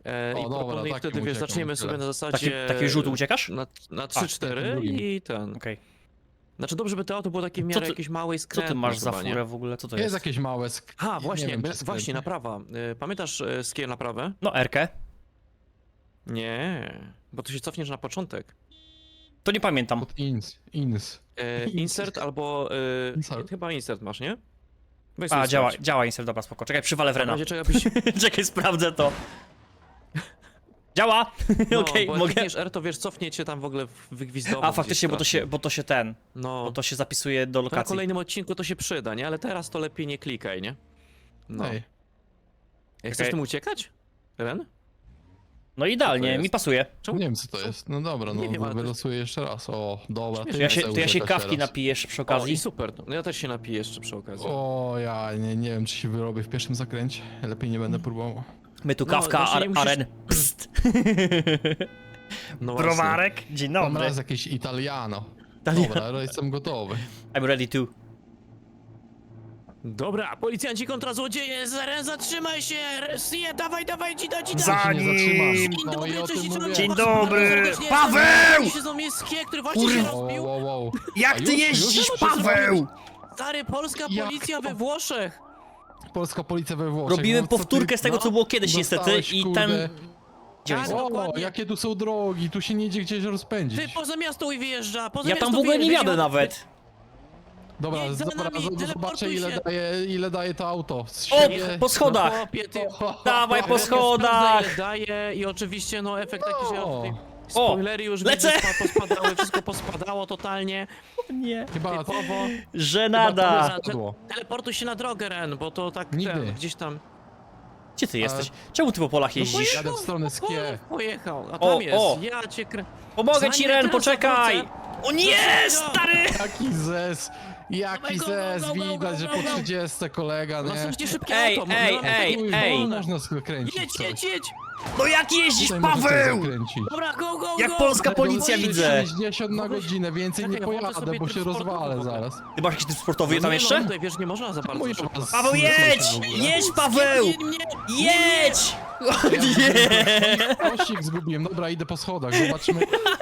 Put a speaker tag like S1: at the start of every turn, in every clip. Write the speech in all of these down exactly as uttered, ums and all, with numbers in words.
S1: E,
S2: O,
S1: I
S2: dobra,
S1: proponuję
S2: takim
S1: wtedy, wiesz,
S2: uciekam,
S1: zaczniemy
S2: tyle.
S1: sobie na
S3: Taki,
S1: zasadzie...
S3: taki rzut uciekasz?
S1: Na, na trzy cztery
S2: drugim.
S1: i ten...
S3: Okej.
S1: Znaczy dobrze by to auto było takie w
S3: Co
S1: miarę
S3: ty-
S1: jakieś małe i
S3: Co
S1: skrętne
S3: ty masz za
S1: chyba, nie?
S3: furę w ogóle? Co to
S2: Jest
S3: jest?
S2: jakieś małe sk...
S1: Ha,
S2: nie
S1: właśnie,
S2: wiem,
S1: my-
S2: czy
S1: właśnie,
S2: skrętne.
S1: naprawa. Y, Pamiętasz y, skier naprawę?
S3: No, Erkę.
S1: Nie, bo tu się cofniesz na początek.
S3: To nie pamiętam.
S2: Od ins, ins.
S1: E, insert albo... Y,
S2: Insert.
S1: Chyba insert masz, nie? Weź
S3: A,
S1: sobie
S3: działa,
S1: sprawdź.
S3: działa insert, dobra, spoko. Czekaj, przywalę w
S1: W
S3: Rena.
S1: razie czego byś...
S3: Czekaj, sprawdzę to. Działa!
S1: No,
S3: Okej,
S1: bo jak
S3: mogę.
S1: klikniesz R, to wiesz, cofnie cię tam w ogóle wygwizdowo.
S3: A, faktycznie, bo to się, bo to się ten,
S1: No,
S3: bo to się zapisuje do
S1: to na
S3: lokacji.
S1: kolejnym odcinku to się przyda, nie? Ale teraz to lepiej nie klikaj, nie? No.
S2: Ej,
S1: Jak chcesz
S3: Okej.
S1: tym uciekać? Ren?
S3: No
S1: Co
S3: idealnie,
S1: to
S3: mi
S1: jest?
S3: pasuje.
S1: Czemu?
S2: nie wiem co to jest. No dobra, no
S1: Nie wiem, ale to jest-
S2: wylosuję jeszcze raz. O, dobra.
S1: Śmieszne.
S2: ty
S3: To ja się,
S2: chcę
S3: to ja się
S2: uciekać
S3: kawki
S2: teraz.
S3: napiję jeszcze przy
S1: O,
S3: okazji.
S1: i super. No ja też się napiję jeszcze przy okazji.
S2: O, ja nie, nie wiem czy się wyrobię w pierwszym zakręcie. Lepiej nie będę próbował.
S3: My tu
S1: No,
S3: kawka,
S1: właśnie nie
S3: ar,
S1: musisz-
S3: aren. Psst.
S1: No właśnie.
S3: Browarek, dzień
S2: Mam
S3: dobry.
S2: raz jakieś Italiano.
S3: Italiano.
S2: Dobra, ale jestem gotowy.
S3: I'm ready to.
S1: Dobra, policjanci kontra złodzieje, Ren, zatrzymaj się! Sie, dawaj, dawaj, dzida, dzida!
S3: Za
S2: Się nie
S3: nim!
S2: zatrzymasz.
S1: Dzień
S2: No
S1: dobry,
S2: i o
S1: cześć,
S2: tym
S1: dzień
S2: mówię.
S3: Dzień
S1: dobry.
S3: dobry.
S1: Serdecznie
S3: Paweł!
S1: jestem się z Skie, który właśnie się
S3: Kurwa.
S1: rozbił.
S2: Wow, wow, wow.
S3: Jak
S2: A
S3: ty
S2: już-
S3: jeździsz,
S2: już się
S3: Paweł?
S1: Stary, polska
S2: Jak
S1: policja
S2: to?
S1: we Włoszech.
S2: Polska policja we Włoszech.
S3: Robiłem
S2: no, co ty
S3: powtórkę z tego,
S1: no,
S3: co było kiedyś niestety
S2: dostałeś,
S3: i
S2: kurde.
S3: ten... Gdzie on
S1: Tak,
S3: jest?
S2: O,
S1: dokładnie.
S2: jakie tu są drogi, tu się nie idzie gdzieś rozpędzić.
S1: Ty poza miasto i wyjeżdża, poza
S3: Ja
S1: miasto
S3: tam w ogóle nie
S1: wyjeżdża.
S3: jadę nawet.
S2: Dobra,
S1: jedź za
S2: dobra,
S1: nami,
S2: z- zobaczę
S1: teleportuj
S2: ile
S1: się.
S2: daje, ile daje to auto. Z
S3: O,
S2: siebie-
S3: po schodach!
S1: No, chłopie, ty...
S3: Dawaj po
S1: Ren
S3: schodach!
S1: sprawdza, ile daje i oczywiście no efekt taki, że
S2: O.
S1: ja tutaj spoilery już
S3: lecę!
S1: widzę, spa- pospadały, wszystko pospadało totalnie.
S3: Nie.
S2: Chyba
S1: Typowo.
S3: Żenada.
S1: Chyba to-
S2: Padło.
S1: Teleportuj się na drogę, Ren, bo to tak
S2: Nigdy.
S1: ten, gdzieś tam...
S3: Gdzie ty jesteś? Czemu ty po polach jeździsz?
S2: Jadę w stronę
S1: po-
S2: Skie.
S1: Pojechał, a
S3: O,
S1: tam jest,
S3: o.
S1: ja cię krę...
S3: Pomogę ci,
S1: Zanim
S3: Ren,
S1: teraz
S3: poczekaj!
S1: zawrócę-
S3: O nie,
S1: Dlaczego?
S3: stary!
S2: Jaki zez, jaki
S1: Dawaj, go, go,
S2: zez,
S1: go, go, go,
S2: widać, że
S1: go,
S2: po
S1: go.
S2: trzydziestce kolega,
S1: No
S2: nie?
S1: słuchajcie, szybkie
S3: Ej,
S1: auto,
S3: ej,
S1: my mamy
S3: ej,
S1: takie
S2: Kurwa,
S3: ej.
S2: można skręcić
S1: Jedź,
S2: coś.
S1: jedź, jedź!
S3: No jak jeździsz,
S2: Tutaj możecie
S3: Paweł?
S2: zakręcić.
S1: Dobra, go, go,
S3: Jak
S1: go!
S3: polska
S2: Tego
S3: policja
S2: jest
S3: widzę.
S2: sześćdziesiąt na
S1: No weź-
S2: godzinę, więcej nie
S1: Czekaj, włączę
S2: pojadę,
S1: sobie
S2: bo się
S1: tryb sportowy
S2: rozwalę
S1: w ogóle.
S2: zaraz.
S3: Ty masz jakiś typ sportowy
S1: No
S3: tam
S1: nie,
S3: jeszcze?
S1: No, tutaj, wiesz, nie można za bardzo
S2: Mój
S1: szybko.
S2: was
S3: Paweł,
S2: słyszę
S3: jedź!
S2: w ogóle.
S3: Jedź, Paweł!
S1: Nie, nie, nie,
S3: Jedź! O nie!
S2: Pościg zgubiłem, dobra, idę po schodach, zobaczymy.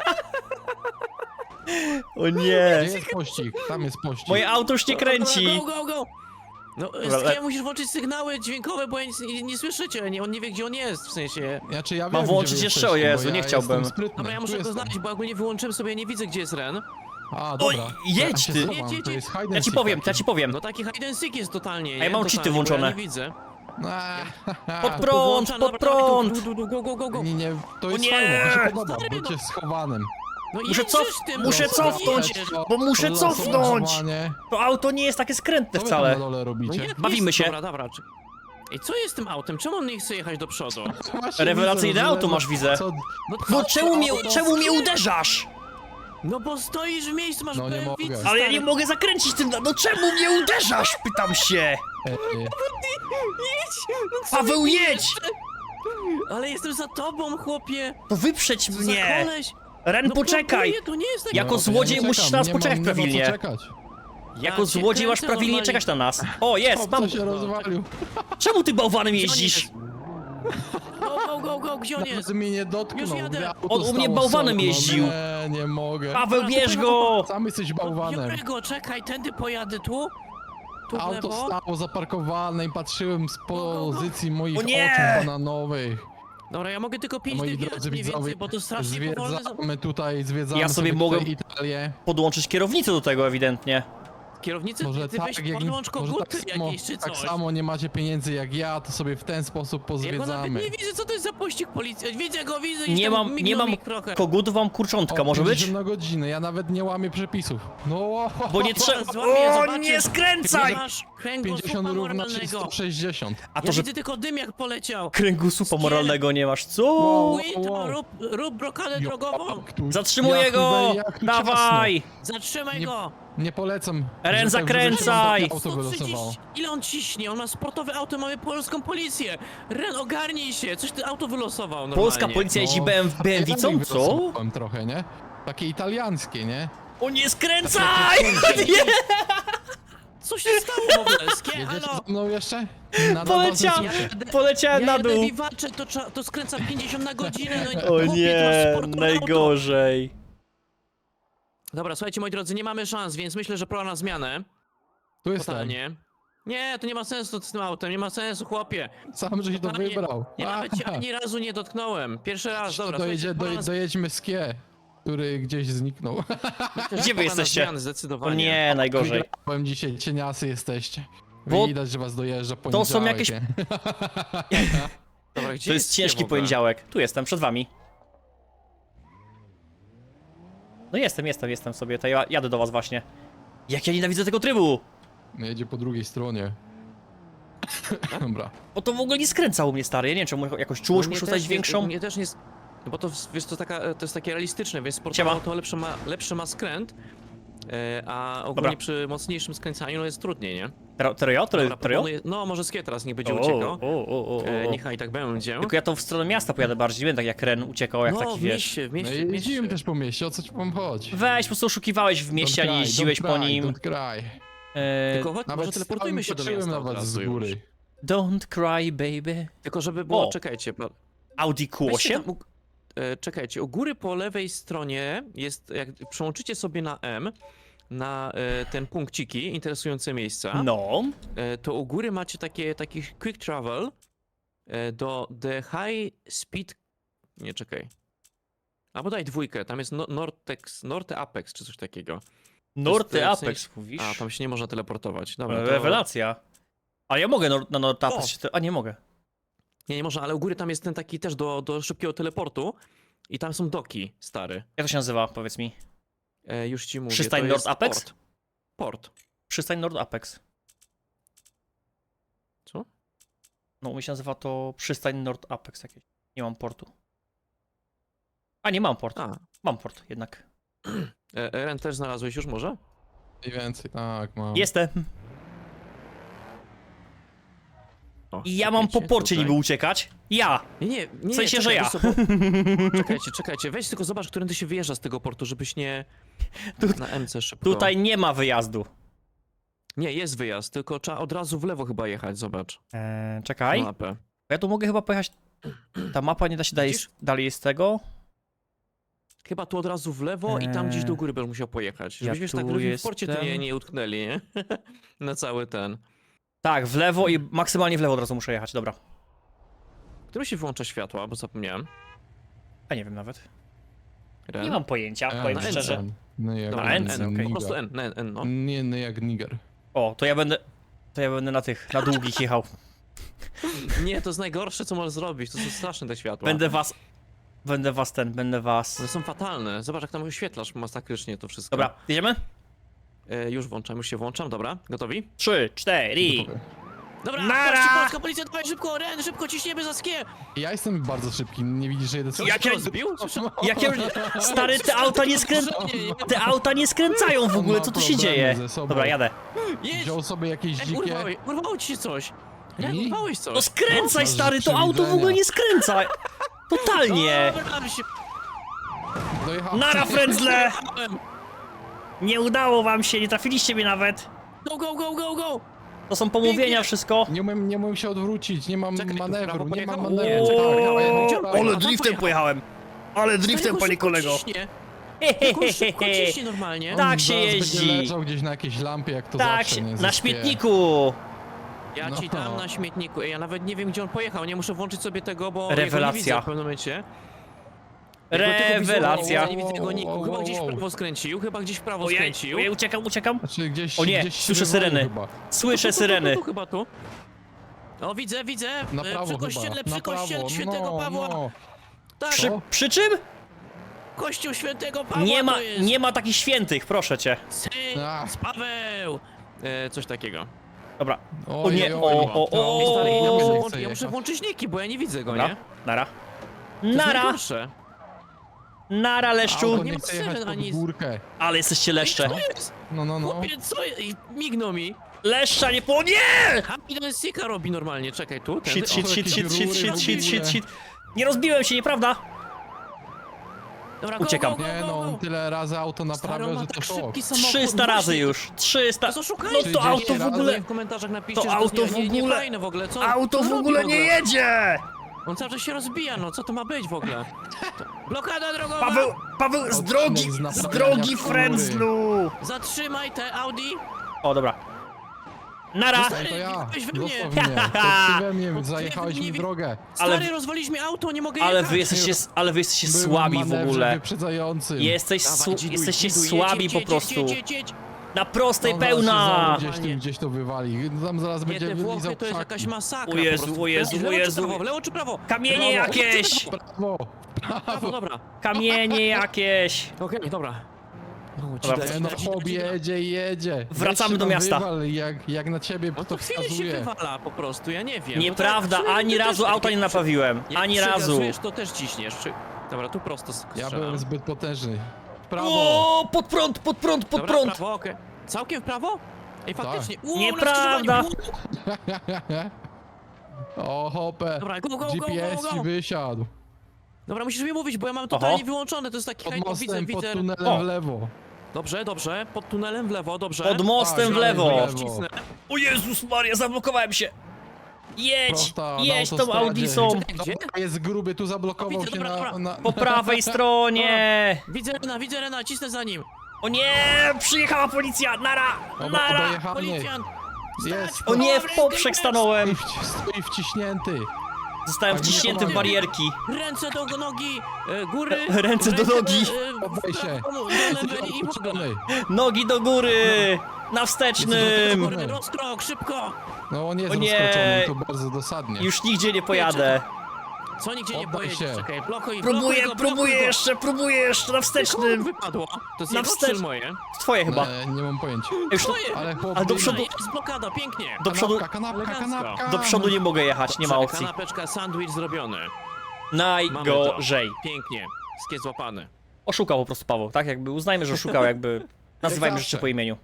S3: O
S2: Gdzie
S3: nie!
S2: jest pościg? Tam jest pościg.
S3: Moje auto już nie kręci.
S1: Go, go, go! No,
S3: Dobra,
S1: Skie,
S3: ale-
S1: musisz włączyć sygnały dźwiękowe, bo ja nic, nie, nie słyszę cię, nie, on nie wie, gdzie on jest, w sensie...
S2: Znaczy, ja
S3: Mam
S2: wiem,
S3: włączyć
S2: gdzie wy
S3: jeszcze?
S2: jesteście,
S3: O Jezu,
S2: bo
S3: nie
S2: ja
S3: chciałbym.
S2: jestem sprytny.
S1: Dobra, ja
S2: Tu
S1: muszę go
S2: jestem.
S1: znaleźć, bo ogólnie wyłączyłem sobie, nie widzę, gdzie jest Ren.
S2: A,
S3: Oj,
S2: dobra.
S3: jedź
S2: Ja się
S3: ty.
S2: schowam,
S1: Jedź, jedź,
S2: to
S1: jedź.
S2: jest hide and
S3: Ja ci
S2: seek
S3: powiem,
S2: taki.
S3: ja ci powiem.
S1: No taki hide and seek jest totalnie,
S3: A ja mam
S1: Totalnie,
S3: cheaty
S1: bo
S3: włączone.
S1: Ja nie widzę.
S2: Eee,
S3: Pod prąd,
S1: Włączam,
S3: pod
S1: dobra, dawaj,
S3: prąd!
S1: tu, tu, tu, Go, go, go, go!
S2: Nie, nie, to jest
S3: nie!
S2: fajne, mi się podoba,
S1: Stary,
S2: bycie
S1: no.
S2: schowanym.
S1: No
S3: Muszę
S1: jedziesz
S3: cof...
S1: tym,
S3: Muszę
S1: no,
S3: cofnąć,
S1: jedziesz.
S3: bo muszę cofnąć!
S2: Losowanie.
S3: To auto nie jest takie skrętne
S2: Co wy tam
S3: wcale.
S2: na dole
S1: No
S2: robicie?
S1: jak
S3: Bawimy
S1: jest?
S3: się.
S1: Dobra, dobra. czy- Ej, co jest z tym autem? Czemu on nie chce jechać do przodu?
S2: Właśnie
S3: Rewelacyjne
S2: widzę,
S3: auto
S2: że-
S3: masz, widzę.
S2: Co?
S1: No,
S3: No
S1: co?
S3: czemu mnie, czemu mnie uderzasz?
S1: No bo stoisz w miejscu, masz
S2: No nie
S1: B M W,
S2: mogę.
S1: stary.
S3: Ale ja nie mogę zakręcić tym... No czemu mnie uderzasz? Pytam się.
S2: E, e,
S1: Jedź! No co
S3: Paweł,
S1: ty
S3: jedź!
S1: Ale jestem za tobą, chłopie!
S3: To wyprzedź
S1: Co za
S3: mnie.
S1: koleś?
S3: Ren,
S1: No
S3: poczekaj.
S1: blokuję, to nie jest takie...
S3: Jako
S2: no, ja
S3: złodziej
S2: nie
S3: musisz
S2: czekam,
S3: nas
S2: nie mam-
S3: poczekać
S2: nie ma co
S3: prawilnie.
S2: czekać.
S3: Jako
S1: Ja cię
S3: złodziej masz
S1: kręcę
S3: prawilnie
S1: normalnie.
S3: czekać na nas. O, jest,
S2: Chłop,
S3: mam...
S2: co się rozwalił.
S3: Czemu ty bałwanem
S1: Gdzie on
S3: jeździsz?
S1: jest? Go, go, go, go, gdzie on
S2: Nawet
S1: jest?
S2: mnie nie dotknął.
S1: Już jadę.
S2: gdy auto
S3: On u mnie
S2: stało
S3: bałwanem
S2: solno.
S3: jeździł.
S2: Nie, nie mogę.
S3: Paweł,
S1: Dobra, to
S3: bierz
S1: pojechał
S3: go!
S2: Sam jesteś bałwanem.
S1: Którego? Czekaj, tędy pojadę tu? Tu w
S2: Auto
S1: lewo?
S2: stało zaparkowane i patrzyłem z
S1: go, go.
S2: pozycji moich
S3: O nie!
S2: oczu bananowych.
S1: Dobra, ja mogę tylko pięć
S2: Moi
S1: dych
S2: drodzy
S1: jechać mniej
S2: widzowie,
S1: więcej, bo to strasznie powolne... za-
S2: zwiedzamy tutaj, zwiedzamy
S3: Ja sobie
S2: sobie
S3: mogę-
S2: tutaj Italię.
S3: Podłączyć kierownicę do tego ewidentnie.
S1: Kierownicy,
S2: Może
S1: ty
S2: tak,
S1: weź
S2: jak,
S1: podłącz
S2: może
S1: koguty
S2: tak, samo,
S1: jakieś czy coś.
S2: tak samo nie macie pieniędzy jak ja, to sobie w ten sposób
S1: Ja go nawet
S2: pozwiedzamy.
S1: nie widzę, co to jest za pościg policji. Widzę go, widzę i
S3: Nie
S1: tam
S3: mam, nie
S1: mignął
S3: mam
S1: mi trochę.
S3: kogutów, mam kurczątka,
S2: O,
S3: może być?
S2: pięćdziesiąt na godzinę, ja nawet nie łamię przepisów. No,
S3: Bo nie trzeba...
S1: złamię,
S3: O,
S1: zobaczysz.
S3: nie skręcaj!
S1: Masz kręgosłupa
S2: pięćdziesiąt równa się
S1: moralnego.
S2: sto sześćdziesiąt.
S3: A to,
S1: Ja
S3: że
S1: widzę tylko dym jak poleciał.
S3: kręgosłupa moralnego nie masz, co?
S2: Wow.
S1: Wait,
S2: wow.
S1: rób, rób blokadę drogową.
S2: Jak tu-
S3: Zatrzymuję
S2: jak tu
S3: go!
S2: będzie- jak tu ciasno.
S3: Dawaj!
S1: Zatrzymaj
S2: Nie-
S1: go.
S2: Nie polecam.
S3: Ren,
S2: że tak
S3: zakręcaj!
S2: żeby auto
S1: sto
S2: wylosowało.
S1: trzydzieści. Ile on ciśnie? On ma sportowe auto, mamy polską policję. Ren, ogarnij się. Coś ty auto wylosował normalnie.
S3: Polska policja jeździ
S2: No,
S3: B M W, B M W,
S2: ja
S3: co?
S2: ich
S3: Co?
S2: wylosowałem trochę, nie? Takie italiańskie, nie?
S3: O nie skręcaj! Nie!
S1: Co Co się stało w ogóle? Skie,
S2: Jedziesz
S1: halo?
S2: za mną jeszcze? Na
S3: Poleciałem,
S2: na bazę
S3: poleciałem
S1: Ja
S3: na
S1: jadę
S3: dół.
S1: biwacze, to, trza- to skręca pięćdziesiąt na godzinę, no i
S3: O
S1: chłopie, to
S3: nie,
S1: sportowe auto.
S3: najgorzej.
S1: Dobra, słuchajcie, moi drodzy, nie mamy szans, więc myślę, że pora na zmianę.
S2: Tu jestem.
S1: Totalnie. Nie, to nie ma sensu z tym autem, nie ma sensu, chłopie.
S2: Sam żeś to
S1: Totalnie.
S2: wybrał.
S1: Nie, nawet cię ani razu nie dotknąłem. Pierwszy raz, dobra,
S2: Dojedzie,
S1: słuchajcie, pora
S2: doj,
S1: na
S2: dojedźmy skie, który gdzieś zniknął.
S1: Myślę, że
S3: Gdzie wy
S1: pora na
S3: jesteście?
S1: zmiany,
S3: O
S1: zdecydowanie.
S3: nie, najgorzej.
S2: Powiem dzisiaj, cieniasy jesteście.
S3: Bo
S2: Widać, że was dojeżdża
S3: to
S2: poniedziałek.
S3: są jakieś-
S2: nie?
S1: Dobra, gdzie
S3: To jest
S1: Skie w
S3: ciężki
S1: ogóle?
S3: poniedziałek. Tu jestem, przed wami. No jestem, jestem, jestem sobie, to ja jadę do was właśnie. Jak ja nienawidzę tego trybu!
S2: No jedzie po drugiej stronie. Dobra.
S3: Bo to w ogóle nie skręca u mnie, stary. Ja nie wiem, czy mu- jakoś czułość
S1: No, mnie
S3: muszę
S1: też
S3: stać
S1: nie-
S3: większą.
S1: Mnie też nie... s- No bo to, wiesz, to, taka, to jest takie realistyczne, wiesz,
S3: Siema.
S1: sportowe to lepszy ma, lepszy ma skręt, e, a ogólnie
S3: Dobra.
S1: przy mocniejszym skręcaniu no jest trudniej, nie?
S3: Tero, tero ja? Tero,
S1: Dobra,
S3: tero ja?
S1: proponuję- No, może Skie teraz nie będzie
S3: O,
S1: uciekał.
S3: o, o, o,
S1: E,
S3: o.
S1: niechaj tak będzie.
S3: Tylko ja to w stronę miasta pojadę bardziej, nie będę tak jak Ren uciekał, jak
S1: no,
S3: taki
S1: w
S3: wiesz.
S1: mieście, w
S2: No
S1: mieście,
S2: i
S1: w mieście.
S2: jeździłem też po mieście, o co ci wam chodzi?
S3: Weź, po prostu oszukiwałeś w mieście, a
S2: Don't
S3: nie
S2: cry,
S3: jeździłeś
S2: don't
S3: po
S2: cry,
S3: nim.
S2: Don't cry.
S3: E,
S1: Tylko chodź, może
S2: Nawet
S1: teleportujmy się do miasta
S2: na
S1: od
S2: was
S1: razu
S2: z góry.
S1: już.
S3: Don't cry, baby.
S1: Tylko żeby było,
S3: O.
S1: czekajcie, bo...
S3: Audi Q
S1: weźcie
S3: osiem?
S1: tam u- e, czekajcie, u góry po lewej stronie jest, jak przełączycie sobie na M, na e, ten punkciki, interesujące miejsca,
S3: No.
S1: e, to u góry macie takie, taki quick travel e, do the high speed... Nie, czekaj. Albo daj dwójkę, tam jest no, Nortex, Norte Apex czy coś takiego.
S3: Norte
S1: w sensie-
S3: Apex, mówisz?
S1: A, tam się nie można teleportować. Dobra, to...
S3: Rewelacja. Ale ja mogę nor na Norte Apex
S1: O.
S3: się... te- A nie mogę.
S1: Nie, nie można, ale u góry tam jest ten taki też do, do szybkiego teleportu i tam są doki, stary.
S3: Jak to się nazywa, powiedz mi?
S1: E, już ci mówię,
S3: Przystań
S1: to
S3: Nord
S1: jest
S3: Apex?
S1: Port. Port.
S3: Przystań Nord Apex.
S1: Co?
S3: No, u mnie się nazywa to przystań Nord Apex jakieś. Nie mam portu. A, nie mam port.
S1: A,
S3: Mam port jednak.
S1: e, Eren też znalazłeś już może?
S2: Mniej więcej, tak, mam.
S3: Jestem.
S1: O,
S3: I ja mam po
S1: czekajcie,
S3: porcie
S1: tutaj.
S3: niby uciekać. Ja!
S1: Nie, nie, nie.
S3: W sensie,
S1: nie,
S3: że
S1: czekaj,
S3: ja.
S1: wiesz co, bo... Czekajcie, czekajcie, weź tylko zobacz, którędy się wyjeżdża z tego portu, żebyś nie...
S3: Tu-
S1: Na M C szybko.
S3: Tutaj nie ma wyjazdu.
S1: Nie, jest wyjazd, tylko trzeba od razu w lewo chyba jechać, zobacz.
S3: Eee, czekaj.
S1: Na mapę.
S3: Ja tu mogę chyba pojechać... Ta mapa nie da się dalej,
S1: Widzisz?
S3: dalej z tego.
S1: Chyba tu od razu w lewo i tam gdzieś do
S3: Eee,
S1: góry będę musiał pojechać.
S3: ja
S1: Żebyśmy tak
S3: tu
S1: w porcie tu nie,
S3: jestem.
S1: nie utknęli, nie? Na cały ten.
S3: Tak, w lewo i maksymalnie w lewo od razu muszę jechać, dobra.
S1: Który się wyłącza światła, bo zapomniałem.
S3: A nie wiem nawet.
S1: Ren?
S3: Nie mam pojęcia,
S2: N,
S3: powiem
S1: na
S3: szczerze.
S2: N. No jak
S1: Dobra,
S3: Na
S1: N,
S3: N,
S1: N,
S3: okej.
S1: po prostu
S2: Niger.
S1: N, N, N, no.
S2: Nie, nie jak Niger.
S3: O, to ja będę... To ja będę na tych, na długich jechał.
S1: Nie, to jest najgorsze, co możesz zrobić, to są straszne te światła.
S3: Będę was... Będę was ten, będę was...
S1: One są fatalne, zobacz jak tam oświetlasz masakrycznie to wszystko.
S3: Dobra, jedziemy?
S1: E, już włączam, już się włączam, dobra, gotowi?
S3: Trzy, cztery.
S1: Dobra,
S3: Nara!
S1: patrzcie, polska policja, dawaj szybko, Ren, szybko, ciśniemy za skie!
S2: Ja jestem bardzo szybki, nie widzisz, że jedę
S1: Co,
S3: Jak
S1: się
S3: ja-
S1: rozbił? Słyszę-
S3: Jakie... Stary, te auta nie skrę... Te auta nie skręcają w ogóle, co tu się dzieje?
S2: ze sobą.
S3: Dobra, jadę.
S1: Jedź!
S2: Wziął sobie jakieś
S1: Ej,
S2: dzikie...
S1: urwałeś, urwało ci się coś! Ren,
S2: I?
S1: urwałeś coś!
S3: No skręcaj,
S2: masz
S3: stary, to auto w ogóle
S2: przewidzenia.
S3: nie skręca. Totalnie.
S1: Dobra, ale się...
S2: Dojechał.
S3: Nara, frędzle!
S1: Ałem.
S3: Nie udało wam się, nie trafiliście mnie nawet.
S1: Go, go, go, go, go!
S3: To są pomówienia,
S1: Pięknie.
S3: wszystko.
S2: Nie umiem, nie umiem się odwrócić, nie mam
S1: Czekaj, w
S2: manewru,
S1: prawo
S2: nie mam
S1: pojechał?
S2: manewru.
S1: Nie, czekaj,
S3: O,
S1: pojechałem. Gdzie on pojechał?
S3: ale
S1: Tam
S3: driftem
S1: pojechał.
S3: pojechałem. Ale driftem,
S1: Stary,
S3: panie
S1: szybko
S3: kolego.
S1: ciśnie. Tylko szybko ciśnie normalnie.
S3: Tak się
S2: Zaraz
S3: jeździ.
S2: będzie leżał gdzieś na jakiejś lampie, jak to
S3: Tak,
S2: zawsze,
S3: się-
S2: nie?
S3: na
S2: Ze
S3: śmietniku.
S1: Ja
S2: No.
S1: ci dam na śmietniku. Ej, ja nawet nie wiem, gdzie on pojechał. Nie muszę włączyć sobie tego, bo
S3: Rewelacja.
S1: ja go nie widzę w pewnym momencie. Ja go tylko
S3: Rewelacja.
S1: wizualnie nie widzę tego niku.
S2: Wow,
S1: Chyba
S2: wow,
S1: gdzieś w
S2: wow.
S1: prawo skręcił, chyba gdzieś w prawo
S3: Ojej,
S1: skręcił.
S3: ojej, uciekam, uciekam.
S2: Znaczy gdzieś,
S3: O nie,
S2: gdzieś się
S3: słyszę
S2: wywalił
S3: syreny.
S2: Chyba.
S3: Słyszę
S1: Tu, tu, tu,
S3: syreny.
S1: Tu, tu, chyba tu. O, widzę, widzę.
S2: Na
S1: E,
S2: prawo
S1: przy
S2: chyba,
S1: kościele, przy
S2: na
S1: kościele
S2: prawo.
S1: świętego
S2: no,
S1: Pawła.
S2: No.
S1: Tak,
S3: Przy,
S2: O.
S3: przy czym?
S1: kościół świętego Pawła
S3: Nie ma,
S1: to jest.
S3: nie ma takich świętych, proszę cię.
S1: Syn z Paweł. E, coś takiego.
S3: Dobra.
S2: Oj,
S3: O nie,
S2: oj,
S3: o,
S2: oj.
S3: o, o.
S1: Ej, stary, ja,
S2: nie
S1: muszę
S2: chcę
S1: włączyć, ja muszę
S2: jechać.
S1: włączyć niki, bo ja nie widzę go,
S3: Dobra,
S1: nie?
S3: nara.
S1: To jest
S3: Nara,
S1: najgorsze.
S3: nara,
S2: Auto
S3: leszczu.
S1: nie
S2: nie
S1: ma
S2: chce jechać
S1: syren
S2: pod
S1: ani-
S2: górkę.
S3: Ale jesteście leszcze.
S1: Co jest?
S2: No, no, no.
S1: Chłopie, co jest? Ej, mignął mi.
S3: Leszcza nie po... Nie!
S1: Happy Sika robi normalnie, czekaj tu. Tędy.
S3: Shit,
S1: O,
S3: shit,
S2: O,
S3: shit,
S2: jakieś
S3: shit, shit,
S2: rury
S3: shit,
S2: w
S3: shit, shit,
S2: ogóle.
S3: shit. Nie rozbiłem się, nieprawda?
S1: Dobra, go,
S3: Uciekam.
S1: Go, go,
S2: Nie
S1: go,
S2: no,
S1: go.
S2: on tyle razy auto
S1: Stary,
S2: naprawia,
S1: on ma
S2: że
S1: tak
S2: to szok.
S1: szybki samochód.
S3: trzysta razy
S1: właśnie.
S3: już. trzysta.
S1: To szukajcie.
S3: No to
S2: trzydzieści
S3: auto w
S2: razy.
S3: ogóle...
S1: W komentarzach napiszcie,
S3: To
S1: że
S3: auto
S1: jest
S3: w
S1: nie, nie,
S3: ogóle-
S1: nie fajne w ogóle. Co,
S3: Auto
S1: co
S3: w
S1: robi
S3: ogóle nie jedzie!
S1: On cały czas się rozbija, no co to ma być w ogóle? To... Blokada drogowa!
S3: Paweł, Paweł, z
S2: Odcinek
S3: drogi,
S2: z
S3: z
S2: naprawiania
S3: drogi
S2: chmury.
S3: Frenzlu!
S1: Zatrzymaj te Audi!
S3: O, dobra. Nara!
S1: Stary,
S2: To ja,
S1: weź we mnie.
S2: dosłownie. To ty we mnie,
S1: ty
S2: zajechałeś
S1: we mnie
S2: mi
S1: wi-
S2: drogę.
S1: Stary,
S3: Ale-
S1: rozwaliśmy auto, nie mogę
S3: Ale
S1: jechać!
S3: wy jesteście, ale wy jesteście
S2: Byłem
S3: słabi w
S2: manewrze
S3: ogóle.
S2: wyprzedzającym.
S3: Jesteś,
S1: Dawaj,
S3: su,
S1: dziduj,
S3: jesteście
S1: dziduj,
S3: słabi
S1: jedź,
S3: po
S1: jedź,
S3: prostu.
S1: Jedź, jedź, jedź.
S3: Na prostej
S2: On zaraz się
S3: pełna!
S2: znowu Gdzieś tu,
S1: Panie.
S2: gdzieś to wywali. Tam zaraz
S1: Nie,
S2: będzie
S1: te
S2: wylizał
S1: Włochy to jest
S2: krzaki.
S1: jakaś masakra
S3: O Jezu,
S1: po prostu.
S3: o Jezu,
S1: Lewo
S3: o
S1: czy
S3: Jezu.
S1: prawo, w lewo czy prawo?
S3: Kamienie
S1: Prawo.
S3: jakieś!
S2: Brawo!
S1: Prawo, dobra.
S3: Kamienie jakieś!
S1: Okej, dobra. No,
S3: Dobra,
S1: dzida,
S2: E, no
S1: dzida, dzida,
S2: chłop
S1: dzida.
S2: jedzie, jedzie.
S3: Wracamy
S2: Weź się
S3: do
S2: tam
S3: miasta.
S2: Wywal, jak, jak na ciebie
S1: On
S2: to
S1: to chwilę się
S2: wskazuje.
S1: wywala po prostu, ja nie wiem.
S3: Nieprawda,
S1: No to-
S3: ani
S1: ty
S3: razu
S1: też-
S3: auta nie naprawiłem.
S1: Jak
S3: Ani razu.
S1: przygazujesz, to też ciśniesz. Czy... Dobra, tu prosto
S2: Ja
S1: strzelam.
S2: byłem zbyt potężny. W prawo!
S3: O, pod prąd, pod prąd, pod
S1: Dobra,
S3: prąd!
S1: prawo, okej. Całkiem w prawo? Ej, faktycznie. Wow,
S3: Nieprawda.
S1: na skrzyżowaniu.
S2: O, hopę!
S1: Dobra, go, go, go,
S2: G
S1: go,
S2: P S
S1: go,
S2: ci
S1: go.
S2: wysiadł.
S1: Dobra, musisz mi mówić, bo ja mam totalnie
S3: Oho.
S1: wyłączone, to jest taki
S2: Pod
S1: hajt, no, widzę,
S2: mostem, pod
S1: widzę.
S2: tunelem
S3: O.
S2: w lewo.
S1: Dobrze, dobrze, pod tunelem w lewo, dobrze.
S3: Pod mostem
S2: Tak,
S3: w lewo!
S2: dalej w lewo.
S1: Wcisnę.
S3: O Jezus Maria, zablokowałem się! Jedź!
S2: Prosta, na
S3: Jedź tą
S2: autostradzie.
S3: Audisą!
S1: Gdzie?
S2: Dobra, jest gruby, tu zablokował
S1: O, widzę,
S2: się
S1: dobra,
S2: na...
S1: dobra.
S2: na...
S3: Po prawej stronie!
S1: Widzę Rena, widzę Rena, cisnę za nim.
S3: O nie! Przyjechała policja! Nara!
S2: Dobra,
S3: Nara!
S2: dojechany.
S1: Policjant!
S2: Jest.
S3: O nie, w poprzek stanąłem!
S2: Stoi, wci- stoi wciśnięty.
S3: Zostałem
S2: Tak, nie
S3: wciśnięty w
S2: pomagam.
S3: barierki.
S1: Ręce do nogi, e, góry.
S3: Ręce do nogi.
S1: e, w
S2: Poddaj się.
S1: prawo, do lewej i w ogóle.
S2: Uczony.
S3: Nogi do góry! Na wstecznym!
S1: Góry, rozkrok, szybko!
S2: No on jest
S3: O nie.
S2: rozkroczony, to bardzo dosadnie.
S3: Już nigdzie nie pojadę.
S1: Co nigdzie nie
S2: Oddaj
S1: pojedzie,
S2: się.
S1: czekaj, blokuj,
S3: Próbuję,
S1: blokuj go, blokuj
S3: próbuję
S1: go.
S3: jeszcze, próbuję jeszcze na
S1: Komu
S3: wstecznym.
S1: wypadło? To jest
S3: Na
S1: jego
S3: wstecz-
S1: czy moje?
S3: Twoje chyba.
S2: E, nie mam pojęcia.
S3: Już do,
S1: Twoje!
S2: Ale chłop...
S3: Ale do
S2: biegnie.
S3: przodu-
S1: Jest blokada, pięknie!
S3: do przodu,
S2: Kanapka, kanapka,
S1: Elegancko.
S2: kanapka.
S3: do przodu nie mogę jechać, nie ma
S1: Dobrze,
S3: opcji.
S1: Kanapeczka, sandwich zrobiony.
S3: Najgorzej.
S1: Pięknie. Skie złapany.
S3: Oszukał po prostu Paweł, tak? Jakby uznajmy, że oszukał, jakby nazywajmy
S2: zawsze.
S3: rzeczy po imieniu.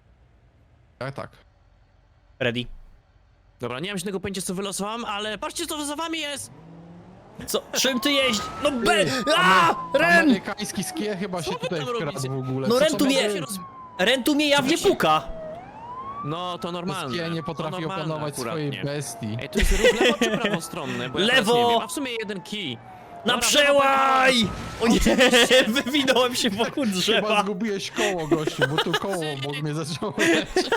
S2: Tak, tak.
S3: Ready?
S1: Dobra, nie mam żadnego pojęcia co wylosowałem, ale patrzcie co za wami jest!
S3: Co? Czym ty jeździ? No be...
S2: Ty,
S3: A! Ren!
S2: Amerykański skie chyba
S1: Co
S2: się
S1: wy
S2: tutaj
S1: tam
S2: wkradł
S1: robicie?
S2: w ogóle.
S3: No
S2: Co
S3: Ren
S2: to
S3: tu
S2: ma
S3: mnie-
S2: być?
S1: Się roz...
S3: Ren tu mnie jawnie puka!
S1: No to normalne.
S2: Skie nie
S1: to
S2: potrafi
S1: normalne
S2: opanować
S1: akurat,
S2: swojej
S1: nie.
S2: bestii.
S1: Ej, to jest ruch lewo czy prawostronny? Bo ja teraz
S3: Lewo!
S1: nie wiem. A w sumie jeden kij.
S3: Na
S1: Dobra,
S3: przełaj! O nie, wywinąłem się wokół
S2: Chyba
S3: drzewa.
S2: zgubiłeś koło, gościu, bo tu koło obok mnie zaczęło lecieć.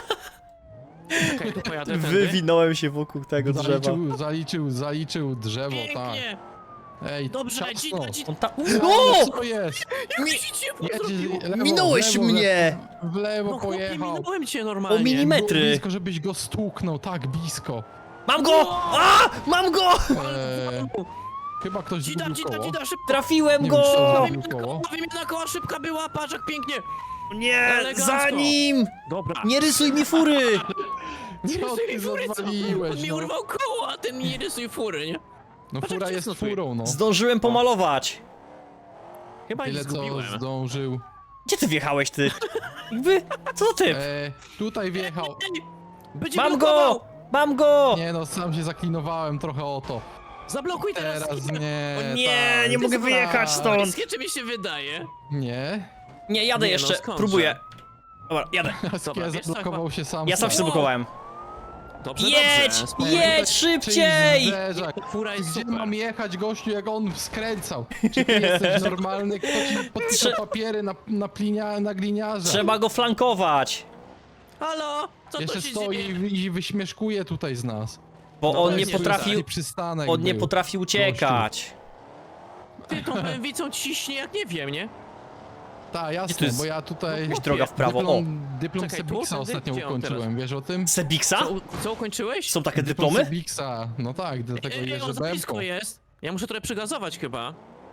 S1: Okej, to pojadę tędy.
S3: Wywinąłem się wokół tego drzewa.
S2: Zaliczył, zaliczył, zaliczył drzewo, tak.
S1: Pięknie!
S2: Ej,
S1: Dobrze,
S2: ciasno.
S1: dzida, dzida.
S3: On ta...
S2: O!
S3: O!
S2: Co jest?
S1: Jeździcie,
S2: Jedzie, lewo,
S3: Minąłeś
S2: w lewo,
S3: mnie!
S2: W lewo
S1: No chłopie,
S2: pojechał.
S1: minąłem cię normalnie.
S3: O mini-
S2: Było
S3: Metry.
S2: blisko, żebyś go stuknął, tak blisko.
S3: Mam go! A! Mam go!
S2: Eee, chyba ktoś
S1: Dzida,
S2: zgubił
S1: dzida,
S2: koło.
S1: dzida, szybko!
S3: Trafiłem
S2: Nie
S3: go!
S2: wiem, czy to
S1: Wymiana
S2: zgubił koło.
S1: koła, wymiana koła szybka była, patrz jak pięknie!
S3: Nie,
S1: Elegancko.
S3: za nim!
S1: Dobra.
S3: Nie rysuj mi fury!
S2: Co ty zawaliłeś,
S1: On mi
S2: no?
S1: urwał koło, a ten mi nie rysuj fury, nie?
S2: No
S1: Patrz,
S2: fura
S1: jak
S2: jest
S1: ciasno tu jest.
S2: furą, no.
S3: Zdążyłem pomalować.
S1: Chyba ich
S2: Tyle co
S1: zgubiłem.
S2: zdążył.
S3: Gdzie ty wjechałeś, ty? Jakby, co za typ?
S2: Eee, tutaj wjechał.
S1: Ej, Będzie
S3: Mam
S1: blokował!
S3: go! Mam go!
S2: Nie no, sam się zaklinowałem trochę o to.
S1: Zablokuj teraz!
S2: Teraz nie.
S3: O nie,
S2: tak,
S3: nie mogę
S2: tak.
S3: wyjechać stąd.
S1: Riskie, czy mi się wydaje?
S2: Nie.
S3: Nie, jadę
S1: Nie, no
S3: jeszcze,
S1: skądże?
S3: próbuję. Dobra, jadę.
S2: Skie
S1: wiesz co,
S2: zablokował się sam.
S3: Ja sam się zablokowałem.
S1: Dobrze,
S3: Jedź!
S1: dobrze. spoko.
S3: Jedź szybciej!
S2: Czyjś zderzak.
S1: Fura jest
S2: Gdzie
S1: super.
S2: mam jechać, gościu, jak on skręcał? Czy ty jesteś normalny? Kto ci podpisał
S3: Trze-
S2: papiery na, na, plinia, na gliniarza?
S3: Trzeba go flankować,
S1: Halo? Co
S2: Jeszcze
S1: to się
S2: stoi
S1: dzieje?
S2: i i wyśmieszkuje tutaj z nas.
S3: bo
S1: No
S3: on
S1: weź
S3: nie
S1: nie
S3: potrafił,
S2: Taki przystanek
S3: on nie
S2: był.
S3: potrafi uciekać.
S1: Ty tą pęwicą ciśnie jak nie wiem, nie?
S2: Tak,
S3: Gdzie tu
S2: jasne,
S3: jest
S2: bo ja tutaj
S3: jakaś droga w prawo?
S2: dyplom, dyplom
S1: Czekaj, tu?
S2: Sebiksa
S1: Tędy?
S2: ostatnio
S1: Gdzie on
S2: ukończyłem, wiesz o tym?
S3: Sebiksa?
S1: Co, u- co ukończyłeś?
S3: Są takie
S2: Dyplom
S3: dyplomy?
S2: Sebiksa, no tak, dlatego
S1: Ej,
S2: jeżdżę
S1: on za
S2: B M
S1: blisko
S2: ką.
S1: jest. Ja muszę trochę przygazować chyba.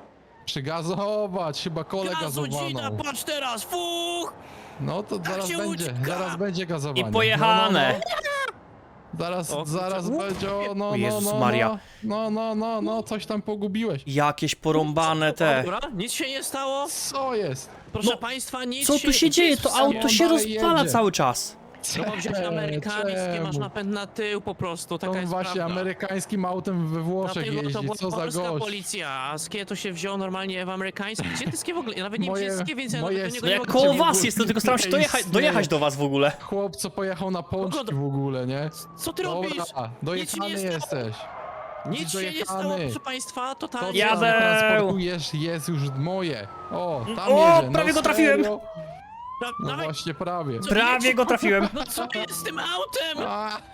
S2: Przygazować, chyba kole
S1: Gazu, dzida,
S2: gazowaną.
S1: patrz teraz, fuch!
S2: No to zaraz
S1: się
S2: będzie,
S1: ucieka.
S2: zaraz będzie gazowanie.
S3: I pojechane.
S2: No, no, no. Zaraz,
S1: O,
S2: zaraz
S1: kurczę,
S2: będzie, o, no,
S3: O
S2: no,
S3: Jezus
S2: no,
S3: Maria.
S2: no, no, no, no, coś tam pogubiłeś.
S3: Jakieś porąbane te.
S1: Dobra, nic się nie stało.
S2: Co jest?
S1: Proszę
S3: No,
S1: państwa, nic
S3: Co
S1: się
S3: tu się
S1: nic
S3: dzieje?
S1: w
S3: To
S1: stanie-
S3: auto się
S2: dalej
S3: rozwala
S2: jedzie.
S3: cały czas.
S1: No bo wziąć amerykańskie, masz
S2: Czemu?
S1: napęd na tył po prostu, taka
S2: On
S1: jest
S2: właśnie
S1: prawda.
S2: amerykańskim autem we Włoszech
S1: Dlatego to
S2: jeździ,
S1: była
S2: co za
S1: polska
S2: gość.
S1: policja, a skie to się wziął normalnie w amerykańskim. Gdzie ty skie w ogóle? Ja nawet nie wiem,
S2: Moje-
S1: gdzie jest skie, więc ja
S2: moje-
S1: nawet do niego
S3: No
S1: nie
S3: jak
S1: mogę
S3: koło
S1: powiedzieć.
S3: was jestem, tylko staram się dojechać, dojechać do was w ogóle.
S2: Chłop, co pojechał na pączki w ogóle, nie?
S1: Co ty robisz?
S2: Dobra, dojechany
S1: Nic się nie
S2: jesteś.
S1: Nic się nie stało,
S2: dojechany.
S1: proszę państwa,
S2: To,
S1: totalnie.
S2: co
S3: Jadę.
S2: tam transportujesz, jest już moje. O, tam
S3: O,
S2: jedzie.
S3: prawie
S2: no
S3: go trafiłem.
S2: serio?
S1: Da-
S2: No
S1: dawaj,
S2: właśnie, prawie.
S1: Co
S3: Prawie
S1: wiecie?
S3: go trafiłem.
S1: No co jest z tym autem?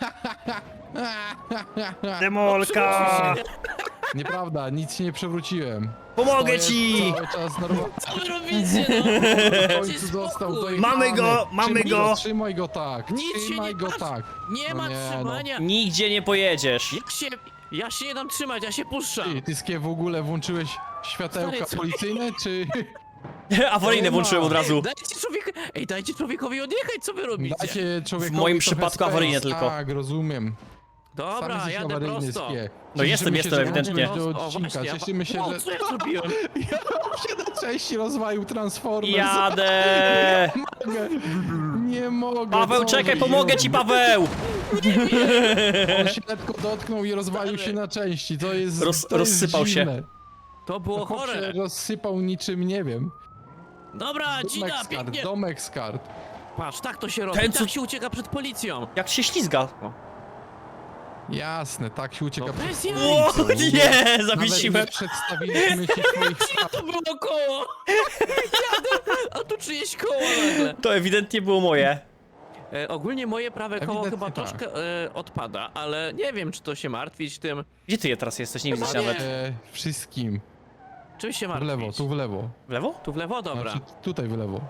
S3: Demolka!
S2: Nieprawda, nic się nie przewróciłem.
S3: Pomogę
S2: Stoję
S3: ci!
S2: Cały czas normalnie.
S1: Co wy robicie, no?
S2: W
S1: Dajcie
S2: końcu dostał
S1: spokój.
S2: dojechany.
S3: Mamy go, mamy
S2: Trzymaj
S3: go.
S2: Trzymaj go tak,
S1: Nic się
S2: trzymaj
S1: nie
S2: go
S1: patrz.
S2: tak.
S1: Nie
S2: No
S1: ma
S2: nie, no.
S1: trzymania.
S3: Nigdzie nie pojedziesz.
S1: Ja się, ja się nie dam trzymać, ja się puszczam.
S2: Ty, ty skie w ogóle włączyłeś światełka
S1: Stary, co?
S2: policyjne, czy...
S3: Awaryjne
S2: Nie ma.
S3: włączyłem od razu.
S1: Dajcie człowiek... Ej, dajcie człowiekowi odjechać, co wy robicie?
S2: Dajcie człowiekowi
S3: W moim
S2: trochę
S3: przypadku
S2: space.
S3: awaryjnie tylko.
S2: Tak, rozumiem. Sam
S1: Dobra,
S2: jesteś
S1: jadę
S2: awaryjny,
S1: prosto.
S2: skie.
S3: No jestem,
S2: Cieszymy
S3: jestem,
S2: się, że
S3: ewidentnie.
S2: włączyłeś do
S1: O,
S2: odcinka.
S1: właśnie,
S2: Cieszymy się,
S1: o,
S2: że...
S1: co ja zrobiłem?
S2: Ja się na części rozwalił Transformers.
S3: Jadę!
S2: mogę. Nie mogę.
S3: Paweł,
S2: co
S3: czekaj,
S2: wy
S3: pomogę ci,
S2: robicie?
S3: Paweł!
S2: On się lekko dotknął i rozwalił się na części. To jest.
S3: Roz-
S2: to jest
S3: rozsypał się.
S2: dziwne.
S1: To było
S2: Chłop się
S1: chore.
S2: rozsypał niczym, nie wiem.
S1: Dobra,
S2: Domek
S1: Gina,
S2: z kart,
S1: pięknie.
S2: domek z kart.
S1: Patrz, tak to się robi,
S3: Ten,
S1: tak
S3: co-
S1: się ucieka przed policją.
S3: Jak się ślizga.
S2: Jasne, tak się ucieka
S1: No
S2: przed
S1: bez jaj.
S3: O,
S2: policją.
S3: nie!
S2: Nawet
S3: Zawiesiłem.
S2: nie przedstawiliśmy ci swoich spraw.
S1: To było koło. Jadę, a tu czyjeś koło nagle.
S3: To ewidentnie było moje.
S1: E, ogólnie moje prawe koło
S2: Ewidentnie
S1: chyba
S2: tak.
S1: troszkę e, odpada, ale nie wiem, czy to się martwić tym.
S3: Gdzie ty je teraz jesteś? Nie widzę cię
S1: Nie.
S3: nawet.
S2: E, wszystkim.
S1: Czym się
S2: W
S1: martwić?
S2: lewo, tu w lewo.
S3: W lewo?
S1: Tu w lewo, dobra.
S2: Znaczy, tutaj w lewo.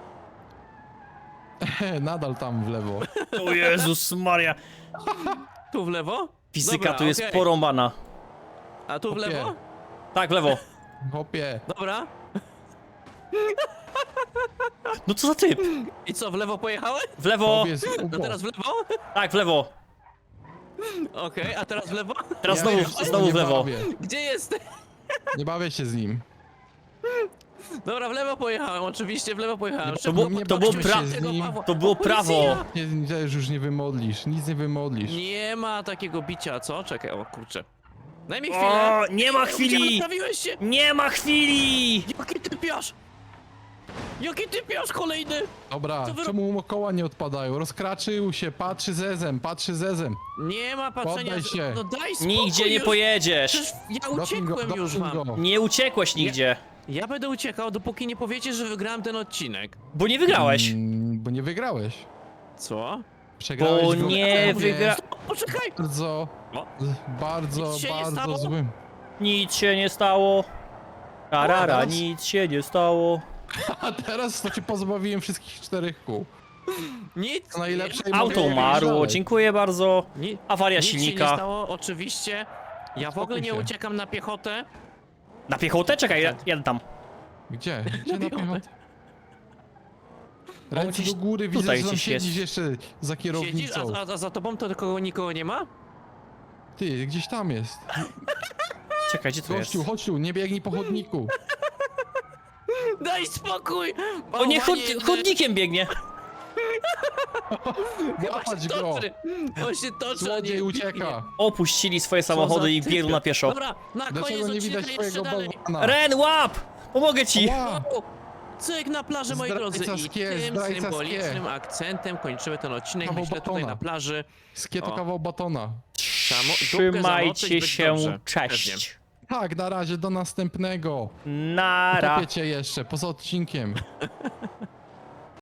S2: Nadal tam w lewo.
S3: O Jezus Maria.
S1: Tu w lewo?
S3: Fizyka
S1: Dobra,
S3: tu jest
S1: okej.
S3: porąbana.
S1: A tu w
S2: Okej.
S1: lewo?
S3: Tak, w lewo.
S2: Hopie.
S1: Dobra.
S3: No co za typ?
S1: I co, w lewo pojechałeś?
S3: W lewo.
S2: Hopie z
S1: No
S2: ubo.
S1: teraz w lewo?
S3: Tak, w lewo.
S1: Okej, a teraz w lewo?
S3: Teraz
S2: Ja
S3: znowu,
S2: się z nim
S3: znowu
S2: nie
S3: w lewo.
S2: bawię.
S1: Gdzie jesteś?
S2: Nie bawię się z nim.
S1: Dobra, w lewo pojechałem, oczywiście w lewo pojechałem.
S3: To było,
S2: Nie
S3: to było,
S2: bawimy
S3: pra...
S2: się z nim.
S3: to było prawo.
S2: Nie, nie, już nie wymodlisz, nic nie wymodlisz.
S1: Nie ma takiego bicia, co? Czekaj, o kurczę. Daj mi chwilę.
S3: O, nie ma
S1: Gdzie
S3: chwili!
S1: naprawiłeś się?
S3: Nie ma chwili!
S1: Jaki ty piasz? Jaki ty piasz kolejny?
S2: Dobra,
S1: Co wy
S2: czemu mu koła nie odpadają? Rozkraczył się, patrzy zezem, patrzy zezem.
S1: Nie ma patrzenia.
S2: Poddaj się.
S1: No daj spokój
S3: Nigdzie nie
S1: już.
S3: pojedziesz.
S1: Przecież ja
S2: Dopnij go,
S1: uciekłem już
S2: dopnij
S1: wam.
S2: go.
S3: Nie uciekłeś nigdzie.
S1: Ja będę uciekał, dopóki nie powiecie, że wygrałem ten odcinek.
S3: Bo nie wygrałeś.
S2: Mm, bo nie wygrałeś.
S1: Co?
S2: Przegrałeś
S3: Bo
S2: w
S3: nie
S2: Mówię,
S3: wygra...
S1: Poczekaj!
S2: Bardzo,
S1: O.
S2: bardzo,
S1: Nic się nie
S2: bardzo
S1: stało?
S2: złym.
S3: Nic się nie stało. Tarara,
S2: teraz-
S3: nic się nie stało.
S2: A teraz to cię pozbawiłem wszystkich czterech kół.
S1: Nic.
S2: To najlepsze
S3: Auto umarło, dziękuję bardzo.
S1: Ni
S3: Awaria
S1: nic się nie
S3: silnika.
S1: stało, oczywiście. Ja w ogóle nie
S2: się.
S1: uciekam na piechotę.
S3: Na piechotę? Czekaj, ja- jadę tam.
S2: Gdzie? Gdzie na
S1: piechotę.
S2: piechotę? Ręce
S3: gdzieś
S2: do góry, widzę,
S3: tutaj
S2: że tam
S3: gdzieś jest.
S2: siedzisz jeszcze za
S1: Siedzisz,
S2: kierownicą.
S1: a, a, a za tobą to kogo nikogo nie ma?
S2: Ty, gdzieś tam jest.
S3: Czekaj, gdzie to jest?
S2: Gościu, chodź tu, nie biegnij po chodniku.
S1: Daj spokój!
S3: O nie, chod
S1: Bałwanie,
S3: chodnikiem biegnie.
S2: Łapać go.
S1: toczy. On się toczy, a
S2: Złodziej
S1: nie
S2: ucieka.
S3: Opuścili swoje
S1: Co za
S3: samochody i
S1: typy.
S3: biegną na pieszo.
S1: Dobra, na koniec
S2: Dlaczego nie
S1: odcinka
S2: widać
S1: jeszcze
S2: twojego
S1: dalej.
S2: bałwana?
S3: Ren, łap! Pomogę ci!
S2: Ła!
S1: O, cyk na plaży, moi
S2: Zdrajca
S1: drodzy. I
S2: skie,
S1: tym
S2: zdrajca
S1: symbolicznym
S2: skie.
S1: akcentem kończymy ten odcinek.
S2: Kawał
S1: Myślę tutaj
S2: batona.
S1: na plaży.
S2: Skieto
S1: O.
S2: kawał batona.
S1: Samo- dupkę zamoczyć,
S3: Trzymajcie
S1: być
S3: się,
S1: dobrze.
S3: cześć.
S2: Tak, na razie, do następnego.
S3: Nara.
S2: Topię cię jeszcze, poza odcinkiem.